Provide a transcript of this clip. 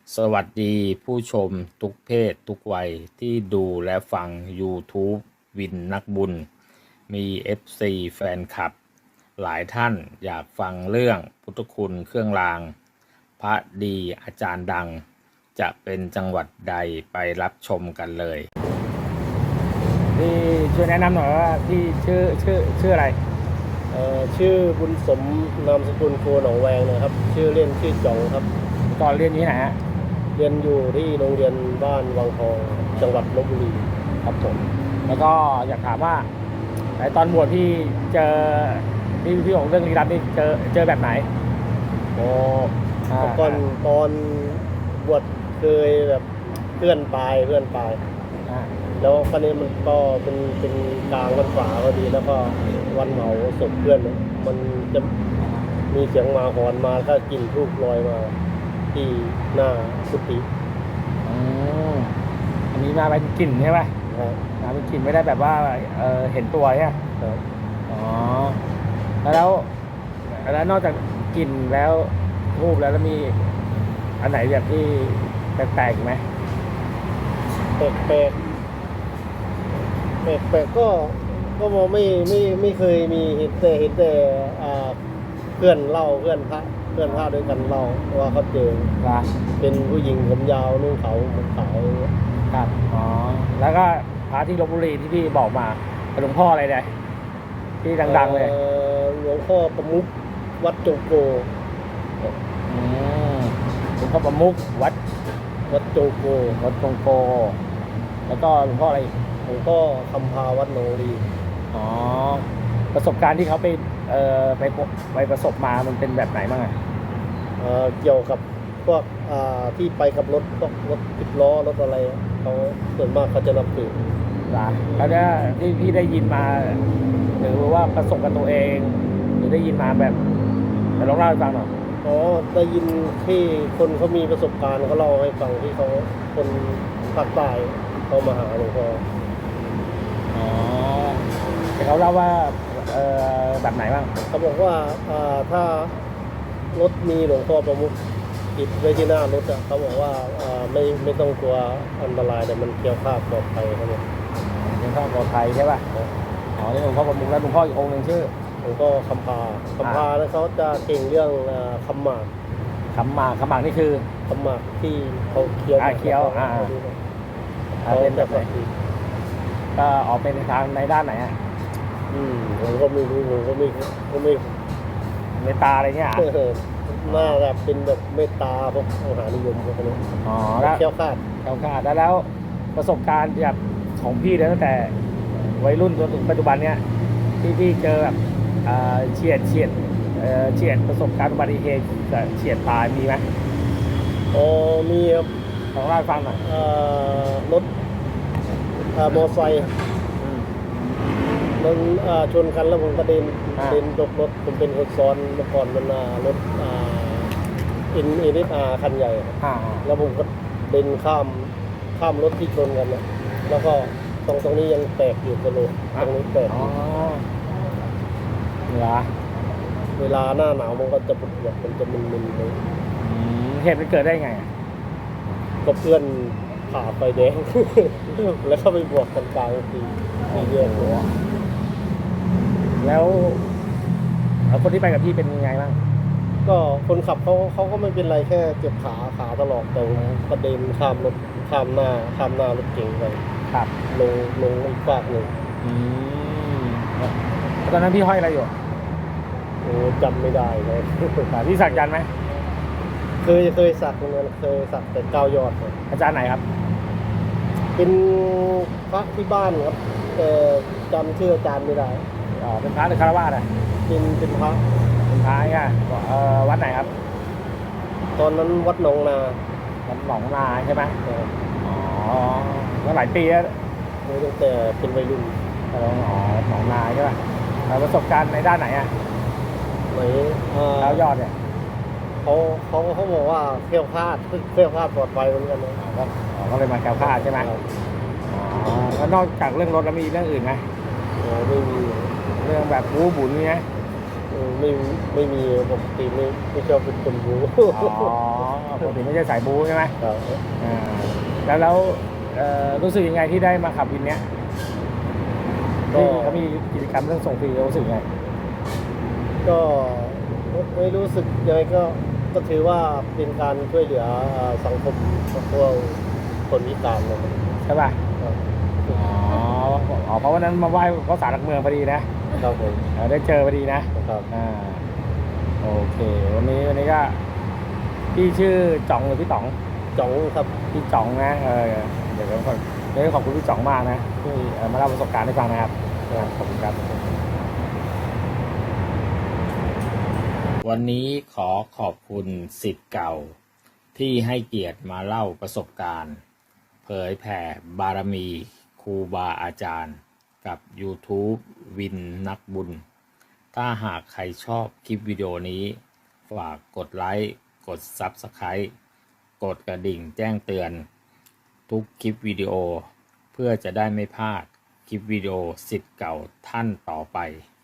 สวัสดีผู้ชมทุกเพศทุกวัยที่ดูและฟัง YouTube วินนักบุญ มี FC แฟนคลับ หลายท่านอยากฟังเรื่องพุทธคุณเครื่องราง พระดีอาจารย์ดัง จะเป็นจังหวัดใดไปรับชมกันเลยพี่ช่วยแนะนำหน่อยว่าพี่ชื่ออะไรชื่อบุญสมนามสกุลโคหนองแวงนะครับชื่อเล่นชื่อจ่องครับตอนเรียนที่ไหนฮะเรียนอยู่ที่โรงเรียนบ้านวังทองจังหวัดลบบุรีครับผมแล้วก็อยากถามว่าในตอนบวชพี่เจอพี่ของเรื่องลี้ลับนี่เจอแบบไหนอ๋อก่อนตอนบวชเคยแบบเพื่อนตายแล้วคราวนี้มันก็เป็นกลางวันฝาพอดีแล้วก็วันเผาศพเพื่อนมันจะมีเสียงหมาหอนมาก็กลิ่นทูบลอยมาที่หน้ากุฏิอันนี้มาเป็นกลิ่นใช่ไหมมาเป็นกลิ่นไม่ได้แบบว่าเห็นตัวใช่ไหมอ๋อแล้วนอกจากกลิ่นแล้วทูบแล้วมีอันไหนแบบที่แปลกๆไหมแปลกก็มองไม่เคยมีเห็นแต่เพื่อนเล่าเพื่อนพระด้วยกันเล่าว่าเขาเจอเป็นผู้หญิงผมยาวนุ่งขาวผมขาวครับอ๋อแล้วก็พระที่ลพบุรีที่พี่บอกมาหลวงพ่ออะไรเนี่ยที่ดังๆเลยหลวงพ่อประมุขวัดจงโกหลวงพ่อประมุขวัดจงโกแล้วก็หลวงพ่ออะไรหลวงพ่อคำพาวัดหนองรีอ๋อประสบการณ์ที่เขาไปประสบมามันเป็นแบบไหนบ้างเกี่ยวกับพวกที่ไปกับรถ10 ล้อรถอะไรเขาส่วนมากเขาจะนับถือแล้วเนี่ยที่พี่ได้ยินมาหรือว่าประสบกับตัวเองหรือได้ยินมาแบบลองเล่าให้ฟังหน่อยได้ยินที่คนเขามีประสบการณ์เขาเล่าให้ฟังที่เขาคนภาคใต้เขามาหาหลวงพ่อแต่เขาเล่าว่าแบบไหนบ้างเขาบอกว่าถ้ารถมีหลวงพ่อประมุขติดไว้ที่หน้ารถเขาบอกว่าไม่ต้องกลัวอันตรายแต่มันเกี่ยวข้าปลอดภัยครับผมหลวงพ่อปลอดภัยใช่ป่ะนี่หลวงพ่อประมุขแล้วหลวงพ่ออีกองค์หนึ่งชื่อหลวงพ่อคำพาแล้วเขาจะเก่งเรื่องคำหมากนี่คือคำหมากที่เขาเคี้ยวเป็นแบบไหนก็ออกเป็นทางในด้านไหนผมก็ไม่รู้ผมก็ไม่เมตตาอะไรเงี้ยน่าจะเป็นแบบเมตตาพวกมหานิยมพวกนี้แล้วเขี้ยวขาดแล้วประสบการณ์แบบของพี่ตั้งแต่วัยรุ่นจนถึงปัจจุบันเนี้ยที่พี่เจอแบบเฉียดประสบการณ์อุบัติเหตุเฉียดตายมีไหมมีครับลองเล่าให้ฟังหน่อยรถมอไซค์มันชนกันแล้วผมกระเด็นตกรถผมเป็นคนซ้อนเมื่อก่อนมันรถNSR คันใหญ่แล้วผมก็เดินข้ามรถที่ชนกันนะแล้วก็ตรงนี้ยังแตกอยู่กระโหลกตรงนี้แตกเวลาหน้าหนาวมันก็จะปวดมันจะมึนๆเลยเหตุมันเกิดได้ไงก็เพื่อนผ่าไฟแดงแล้วเข้าไปบวกกันกลางทีเยอะหัวแล้วคนที่ไปกับพี่เป็นยังไงบ้างก็คนขับเขาก็ไม่เป็นไรแค่เจ็บขาตลอดแต่กระเด็นข้ามหน้ารถเก๋งไปลงอีกฝากหนึ่งตอนนั้นพี่ห้อยอะไรอยู่จำไม่ได้เลยพี่สักยันไหมเคยสักเหมือนเคยสักแต่9 ยอดอาจารย์ไหนครับเป็นพระที่บ้านครับแต่จำชื่ออาจารย์ไม่ได้เป็นพระหรือคารวะเป็นพระอ่ะวัดไหนครับตอนนั้นวัดหนองนาใช่ไหมก็หลายปีแล้วตั้งแต่เป็นวัยรุ่นหนองนาใช่ป่ะประสบการณ์ในด้านไหนแล้วยอดเนี่ยเขาบอกว่าเคลี้ยวคลาดปลอดภัยเหมือนกันนะก็เลยมาแก้วคลาดใช่ไหมแล้วนอกจากเรื่องรถแล้วมีเรื่องอื่นไหมไม่มีเรื่องแบบบู๊บุญนี่ไหมไม่มีปกติไม่ชอบเป็นคนบู๊ปกติไม่ใช่สายบู๊ใช่ไหมครับอ่าแล้วรู้สึกยังไงที่ได้มาขับวินเนี้ยก็ที่เขามีกิจกรรมเรื่องส่งฟรีรู้สึกยังไงก็ไม่รู้สึกยังไงก็ถือว่าเป็นการช่วยเหลือสังคมพวกคนพิการนะครับใช่ป่ะครับอ๋อเพราะวันนั้นมาไหว้พระศาลหลักเมืองพอดีนะครับผมได้เจอพอดีนะครับ โอเค วันนี้ก็พี่ชื่อจ่องหรือพี่ต๋องจ๋องครับพี่จ่องนะเดี๋ยวขอบคุณพี่จ่องมากนะที่มาเล่าประสบการณ์ให้ฟังนะครับขอบคุณครับ วันนี้ขอขอบคุณศิษย์เก่าที่ให้เกียรติมาเล่าประสบการณ์ เผยแผ่บารมีครูบาอาจารย์กับ YouTube วินนักบุญ ถ้าหากใครชอบคลิปวิดีโอนี้ ฝากกดไลค์กด Subscribe กดกระดิ่งแจ้งเตือนทุกคลิปวิดีโอ เพื่อจะได้ไม่พลาดคลิปวิดีโอศิษย์เก่าท่านต่อไป